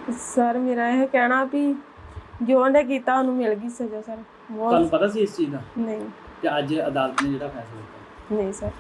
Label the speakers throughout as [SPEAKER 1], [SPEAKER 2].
[SPEAKER 1] Sir ਮੇਰਾ ਇਹ ਕਹਿਣਾ ਵੀ ਜੋ ਉਹਨੇ ਕੀਤਾ ਉਹਨੂੰ ਮਿਲ ਗਈ ਸਜ਼ਾ ਸਰ।
[SPEAKER 2] ਤੁਹਾਨੂੰ ਪਤਾ ਸੀ ਇਸ ਚੀਜ਼ ਦਾ?
[SPEAKER 1] ਨਹੀਂ।
[SPEAKER 2] ਤੇ ਅੱਜ ਅਦਾਲਤ ਨੇ ਜਿਹੜਾ ਫੈਸਲਾ ਦਿੱਤਾ,
[SPEAKER 1] ਨਹੀਂ ਸਰ।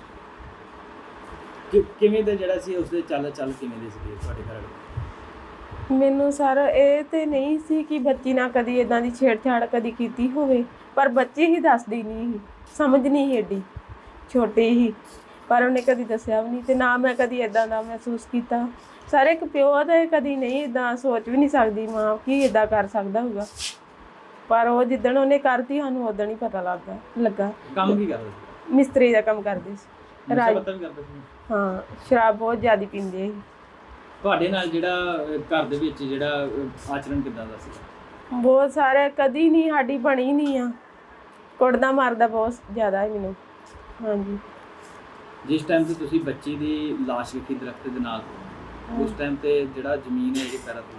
[SPEAKER 2] ਕਿਵੇਂ ਦਾ ਜਿਹੜਾ ਸੀ ਉਸਦੇ ਚੱਲ ਕਿਵੇਂ ਦੇ ਸੀਗੇ ਤੁਹਾਡੇ ਘਰ ਵਾਲੇ?
[SPEAKER 1] ਮੈਨੂੰ ਸਰ ਇਹ ਤੇ ਨਹੀਂ ਸੀ ਕਿ ਬੱਚੀ ਨਾਲ ਕਦੀ ਇਦਾਂ ਦੀ ਛੇੜਛਾੜ ਕਦੀ ਕੀਤੀ ਹੋਵੇ, ਪਰ ਬੱਚੀ ਹੀ ਦੱਸਦੀ ਨਹੀਂ ਸੀ, ਸਮਝ ਨਹੀਂ ਸੀ ਏਡੀ ਛੋਟੀ ਹੀ, ਪਰ ਉਹਨੇ ਕਦੀ ਦੱਸਿਆ ਵੀ ਨਹੀਂ ਤੇ ਨਾ ਮੈਂ ਕਦੀ ਇਦਾਂ ਦਾ ਮਹਿਸੂਸ ਕੀਤਾ। ਸਰ ਇੱਕ ਪਿਓ ਤੇ ਕਦੀ ਨਹੀਂ ਇਦਾਂ ਸੋਚ ਵੀ ਨਹੀਂ ਸਕਦੀ ਮਾਂ ਕੀ ਇਦਾਂ ਕਰ ਸਕਦਾ ਹੋਊਗਾ, ਪਰ ਉਹ ਜਿੱਦਣ ਉਹਨੇ ਕਰਤੀ ਸਾਨੂੰ ਉਦੋਂ ਹੀ ਪਤਾ ਲੱਗਾ।
[SPEAKER 2] ਕੰਮ ਕੀ ਕਰਦਾ ਸੀ?
[SPEAKER 1] ਮਿਸਤਰੀ ਦਾ ਕੰਮ ਕਰਦੇ ਸੀ।
[SPEAKER 2] ਨਸ਼ਾ ਪੱਤਾ ਵੀ ਕਰਦਾ ਸੀ?
[SPEAKER 1] ਹਾਂ, ਸ਼ਰਾਬ ਬਹੁਤ ਜ਼ਿਆਦਾ ਪੀਂਦੇ ਸੀ।
[SPEAKER 2] ਤੁਹਾਡੇ ਨਾਲ ਜਿਹੜਾ ਘਰ ਦੇ ਵਿੱਚ ਜਿਹੜਾ ਆਚਰਣ ਕਿੱਦਾਂ ਦਾ ਸੀ?
[SPEAKER 1] ਬਹੁਤ ਸਾਰੇ, ਕਦੀ ਨਹੀਂ ਸਾਡੀ ਬਣੀ ਨਹੀਂ ਆ, ਕੁੱਟਦਾ ਮਾਰਦਾ ਬਹੁਤ ਜ਼ਿਆਦਾ ਹੈ ਮੈਨੂੰ। ਹਾਂਜੀ।
[SPEAKER 2] ਜਿਸ ਟਾਈਮ ਤੇ ਤੁਸੀਂ ਬੱਚੀ ਦੀ ਲਾਸ਼ ਵੇਖੀ ਦਰਖਤ ਦੇ ਨਾਲ, ਉਸ ਟਾਈਮ ਤੇ ਜਿਹੜਾ ਜ਼ਮੀਨ ਹੈ ਇਹ ਪੈਰਾਂ ਤੋਂ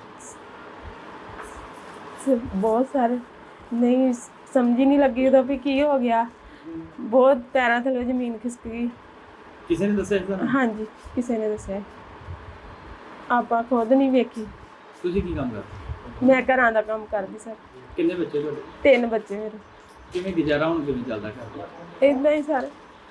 [SPEAKER 1] ਬਹੁਤ ਸਾਰੇ ਨਹੀਂ ਸਮਝ ਹੀ ਨਹੀਂ ਲੱਗੀ ਉਦੋਂ ਵੀ ਕੀ ਹੋ ਗਿਆ, ਬਹੁਤ ਪੈਰਾਂ ਥੱਲੇ ਜ਼ਮੀਨ ਖਿਸਕ ਗਈ।
[SPEAKER 2] ਕਿਸੇ ਨੇ ਦੱਸਿਆ ਤੁਹਾਨੂੰ?
[SPEAKER 1] ਹਾਂਜੀ, ਕਿਸੇ ਨੇ ਦੱਸਿਆ, ਆਪਾਂ ਖੁਦ ਨਹੀਂ ਵੇਖੀ।
[SPEAKER 2] ਤੁਸੀਂ ਕੀ ਕੰਮ ਕਰਦੇ?
[SPEAKER 1] ਮੈਂ ਘਰਾਂ ਦਾ ਕੰਮ ਕਰਦੀ ਸਰ।
[SPEAKER 2] ਕਿੰਨੇ ਬੱਚੇ ਤੁਹਾਡੇ?
[SPEAKER 1] 3 ਬੱਚੇ ਮੇਰੇ।
[SPEAKER 2] ਕਿਵੇਂ ਗੁਜ਼ਾਰਾ ਹੁਣ ਕਿਵੇਂ ਚੱਲਦਾ ਘਰ?
[SPEAKER 1] ਏਦਾਂ ਹੀ ਸਰ।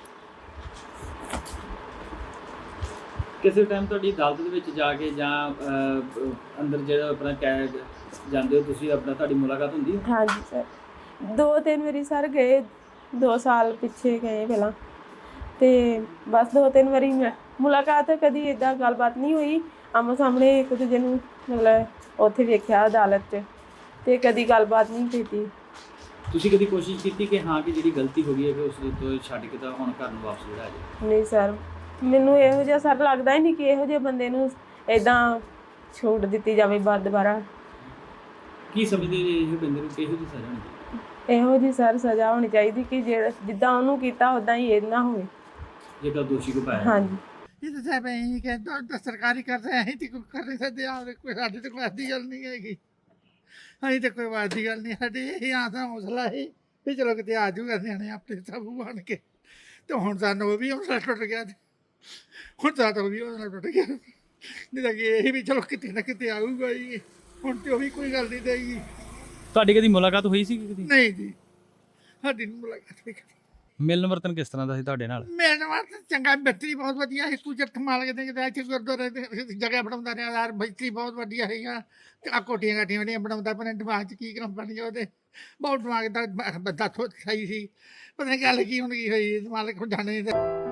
[SPEAKER 2] ਕਿਸੇ ਟਾਈਮ ਤੁਹਾਡੀ ਅਦਾਲਤ ਦੇ ਵਿੱਚ ਜਾ ਕੇ ਜਾਂ ਅੰਦਰ ਜਿਹੜਾ ਆਪਣਾ ਕੈਦ ਜਾਂਦੇ ਹੋ ਤੁਸੀਂ, ਆਪਣਾ ਤੁਹਾਡੀ ਮੁਲਾਕਾਤ ਹੁੰਦੀ ਹੈ?
[SPEAKER 1] ਹਾਂਜੀ ਸਰ, 2-3 ਵਾਰੀ ਸਰ ਗਏ, 2 ਸਾਲ ਪਿੱਛੇ ਗਏ ਪਹਿਲਾਂ, ਤੇ ਬਸ 2-3 ਵਾਰੀ ਮੁਲਾਕਾਤ, ਕਦੀ ਇਦਾਂ ਗੱਲਬਾਤ ਨਹੀਂ ਹੋਈ ਆਮੋ ਸਾਹਮਣੇ ਇੱਕ ਦੂਜੇ ਨੂੰ, ਮਤਲਬ ਉੱਥੇ ਵੇਖਿਆ ਅਦਾਲਤ 'ਚ, ਤੇ ਕਦੀ ਗੱਲਬਾਤ ਨਹੀਂ ਕੀਤੀ।
[SPEAKER 2] ਤੁਸੀਂ ਕਦੀ ਕੋਸ਼ਿਸ਼ ਕੀਤੀ ਕਿ ਹਾਂ ਕਿ ਜਿਹੜੀ ਗਲਤੀ ਹੋ ਗਈ ਹੈ ਕਿ ਉਸ ਤੋਂ ਛੱਡ ਕੇ ਤਾਂ ਹੁਣ ਘਰ ਨੂੰ ਵਾਪਸ ਜਿਹੜਾ ਆ ਜਾਏ?
[SPEAKER 1] ਨਹੀਂ ਸਰ, ਮੈਨੂੰ ਇਹੋ ਜਿਹਾ ਸਰ ਲੱਗਦਾ ਹੀ ਨਹੀਂ ਕਿ ਇਹੋ ਜਿਹੇ ਬੰਦੇ ਨੂੰ ਇਦਾਂ ਛੂਟ ਦਿੱਤੀ ਜਾਵੇ ਦੁਬਾਰਾ।
[SPEAKER 2] ਕੀ ਸਮਝਦੇ ਜੀ ਇਹ ਬੰਦੇ ਨੂੰ ਕਿਹੋ ਜਿਹੀ ਸਜ਼ਾ ਹੋਣੀ ਚਾਹੀਦੀ?
[SPEAKER 1] ਇਹੋ ਜਿਹੀ ਸਰ ਸਜ਼ਾ ਹੋਣੀ ਚਾਹੀਦੀ ਕਿ ਜਿੱਦਾਂ ਉਹਨੂੰ ਕੀਤਾ ਉੱਦਾਂ ਹੀ ਇਹ ਨਾ ਹੋਵੇ,
[SPEAKER 2] ਜੇਕਰ ਦੋਸ਼ੀ ਕੋ ਪਾਇਆ।
[SPEAKER 1] ਹਾਂਜੀ।
[SPEAKER 3] ਇਹ ਤਾਂ ਸਾਹਿਬ ਅਸੀਂ ਕਹਿੰਦਾ ਸਰਕਾਰੀ ਕਰ ਰਹੇ, ਅਸੀਂ ਤੇ ਕੋਈ ਕਰ ਨਹੀਂ ਸਕਦੇ। ਆਪ ਕੋਈ ਸਾਡੀ ਤਾਂ ਕੋਈ ਆਦੀ ਗੱਲ ਨਹੀਂ ਹੈਗੀ, ਅਸੀਂ ਤਾਂ ਕੋਈ ਵਾਦੀ ਗੱਲ ਨਹੀਂ ਸਾਡੀ। ਇਹ ਆਸਾਂ ਹੌਸਲਾ ਹੈ ਵੀ ਚਲੋ ਕਿਤੇ ਆ ਜੂਗਾ ਨਿਆਣੇ ਆਪਣੇ ਸਭ ਬਣ ਕੇ, ਤੇ ਹੁਣ ਸਾਨੂੰ ਉਹ ਵੀ ਹੌਸਲਾ ਟੁੱਟ ਗਿਆ, ਹੁਣ ਸਾਡਾ ਉਹ ਵੀ ਹੌਸਲਾ ਟੁੱਟ ਗਿਆ। ਨਹੀਂ ਤਾਂ ਕਿ ਇਹ ਵੀ ਚਲੋ ਕਿਤੇ ਨਾ ਕਿਤੇ ਆਊਗਾ ਹੀ, ਹੁਣ ਤੇ ਉਹ ਵੀ ਕੋਈ ਗੱਲ ਨਹੀਂ ਦੇਗੀ।
[SPEAKER 2] ਤੁਹਾਡੀ ਕਦੀ ਮੁਲਾਕਾਤ ਹੋਈ ਸੀ ਕਦੀ?
[SPEAKER 3] ਨਹੀਂ ਜੀ, ਸਾਡੀ ਨਹੀਂ ਮੁਲਾਕਾਤ ਹੋਈ ਕਦੀ।
[SPEAKER 2] ਮਿਲਣ ਵਰਤਨ ਕਿਸ ਤਰ੍ਹਾਂ ਦਾ ਸੀ ਤੁਹਾਡੇ ਨਾਲ?
[SPEAKER 3] ਮੇਰੇ ਨਾਲ ਤਾਂ ਚੰਗਾ, ਮਿਸਤਰੀ ਬਹੁਤ ਵਧੀਆ ਸੀ। ਸਕੂਲ ਕਮਾਲ ਕਿਤੇ ਇੱਥੇ ਗੁਰਦੁਆਰੇ ਜਗ੍ਹਾ ਬਣਾਉਂਦਾ ਰਿਹਾ ਯਾਰ, ਮਿਸਤਰੀ ਬਹੁਤ ਵਧੀਆ ਸੀਗਾ। ਆ ਕੋਠੀਆਂ ਕਾਠੀਆਂ ਜਿਹੜੀਆਂ ਬਣਾਉਂਦਾ, ਆਪਣੇ ਦਿਮਾਗ 'ਚ ਕੀ ਕੰਮ ਬਣ ਗਿਆ ਉਹਦੇ, ਬਹੁਤ ਦਿਮਾਗ ਦਾ ਬੰਦਾ ਸਹੀ ਸੀ। ਪਤਾ ਨਹੀਂ ਗੱਲ ਕੀ ਹੁਣ ਕੀ ਹੋਈ, ਦਿਮਾਗ ਜਾਣੇ